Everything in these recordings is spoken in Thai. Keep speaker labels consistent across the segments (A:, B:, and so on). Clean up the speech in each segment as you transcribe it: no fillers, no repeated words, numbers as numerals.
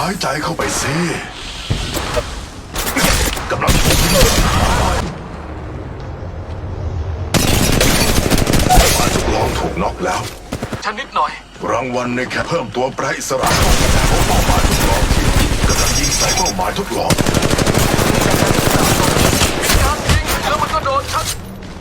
A: ายใจเข้าไปสิกำลังถูกยิงฝ่ายทดลองถูกน็อกแล้ว
B: ฉันนิดหน่อย
A: รางวัลในแค่เพิ่มตัวแปรอิสระของเป้าหมายทดลองที่กำลังยิงใส่เป้าหมายทดลอง
B: การยิงแล้วมันก็โดนฉัน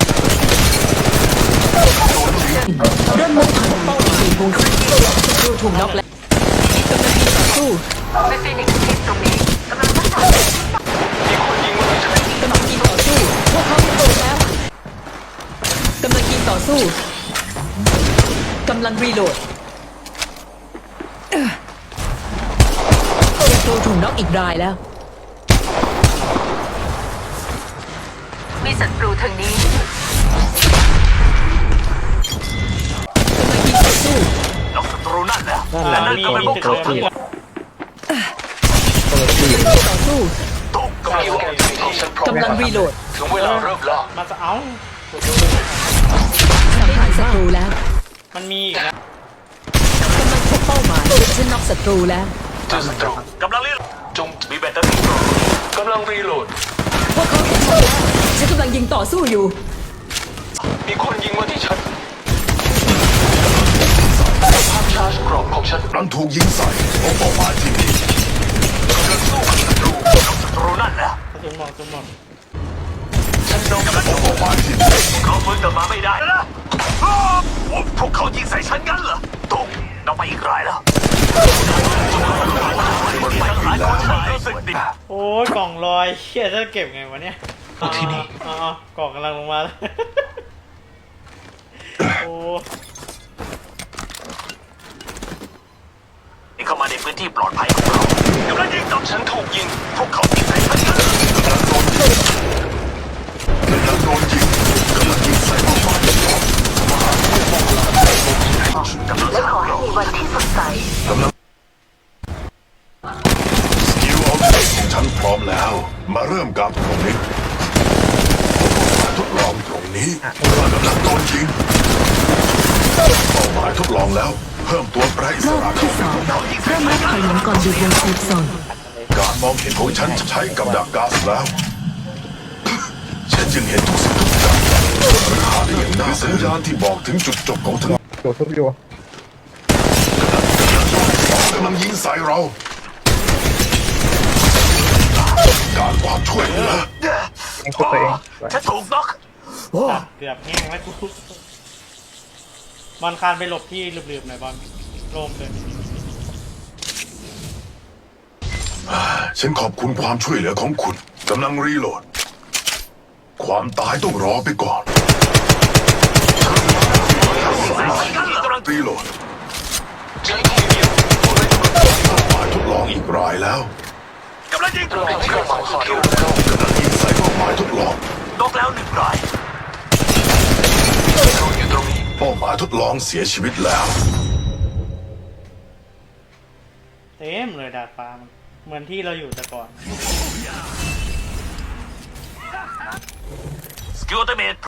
C: เริ่มมุ่งผ่านเป้าหมายของศัตรูถูกน็อกแล้วกำลังยิงต่อสู้
D: ในฟีนิกซ์ทีมตรงนี้กำลังรักษา
B: มีคนยิงมาที่ฉัน
C: กำลังยิงต่อสู้พวกเขาโดนแล้วกำลังยิงต่อสู้กำลังรีโหลดศัตรูถูกน็อกอีกรายแล้ว
D: มีศัตรูทางนี้
C: กำลังยิงต่อสู้
B: น็อกศัตรูนั่นแหละ
E: นั่นก็เป็นพวกเขา
C: กำลังยิงต่อสู้
B: ตกกำลังรีโหลดถึงเวลาเริ่มล่า
E: มาจะเอา
C: สังหารศัตรูแล้ว
E: มันมีอีกนะ
C: กำลังพบเป้าหมายฉันน็อกศัตรูแล้ว
B: เจอศัตรูกำลังรีโหลดจงมีแบตเตอรี่กำลังรีโหลด
C: พวกเขาเห็นฉันแล้วฉันกำลังยิงต่อสู้อยู่
B: มีคนยิงมาที่ฉันภาพชาร์จกรอบของฉัน
A: กำลังถูกยิงใส่ของเป้าหมายที่นี่
B: กำลังสู้กับศัตรูกับศัตรูนั่นแหละ
E: จุ่มหมดจุ่มหมด
B: ฉันโดนกำลัง
A: เป้าหมายที่นี่
B: เขาฟื้นกลับมาไม่ได้นะพวกเขายิงใส่ฉันงั้นเหรอตกเราไปอีกรายแล้ว
E: โอ้ยกล่องลอยเชี่ยจะเก็บไงวะเนี่ย
B: ที่นี่
E: กล่องกำลังลงมาแล้วโอ้
B: นี่เข้ามาในพื้นที่ปลอดภัยของเรากำลังยิงต่อฉันถูกยิงพวกเขายิงใส่ฉันงั้น
A: กำลังโดนยิงกำลังยิงใส่เป้าหมายทดลอง
D: และขอให้มีวันที่สดใส
A: กำลังสกิลเอาเทคของฉันพร้อมแล้วมาเริ่มกับตรงนี้ทดลองตรงนี้กำลังโดนยิงเป้าหมายทดลองแล้วเพิ่มตัวแปรอิสระเข้าไปของเรา
C: เริ่มนับถอยหลังก่อนดูวงเซฟโซน
A: การมองเห็นของฉันจะใช้กับดักก๊าซแล้วฉันจึงเห็นทุกสิ่งทุกอย่างราคาได้อย่างน่าสัญญาณที่บอกถึงจุดจบของเธอ
F: อยู่
A: กำลังยิงใส่เราการความช่วยเหลือ
F: เองตัวเอง
B: ฉันถูกน็อก
E: เกือบแห้งแล้วกูบอลคานไปหลบที่ลืบๆหน่อยบอลโลมเลย
A: ฉันขอบคุณความช่วยเหลือของคุณกำลังรีโหลดความตายต้องรอไปก่อนรีโหลดหมายทดลองอีกรายแล้ว
B: กำลังยิงตรงที่เราสกิล
A: กำลังยิงใส่เป้าหมายทดลอง
B: น็อกแล้วหนึ่งรายอยู่ตรงนี้
A: เป้าหมายทดลองเสียชีวิตแล้ว
E: เต็มเลยดาดฟ้ามันเหมือนที่เราอยู่แต่ก่อน
B: สกิลอัลติเมท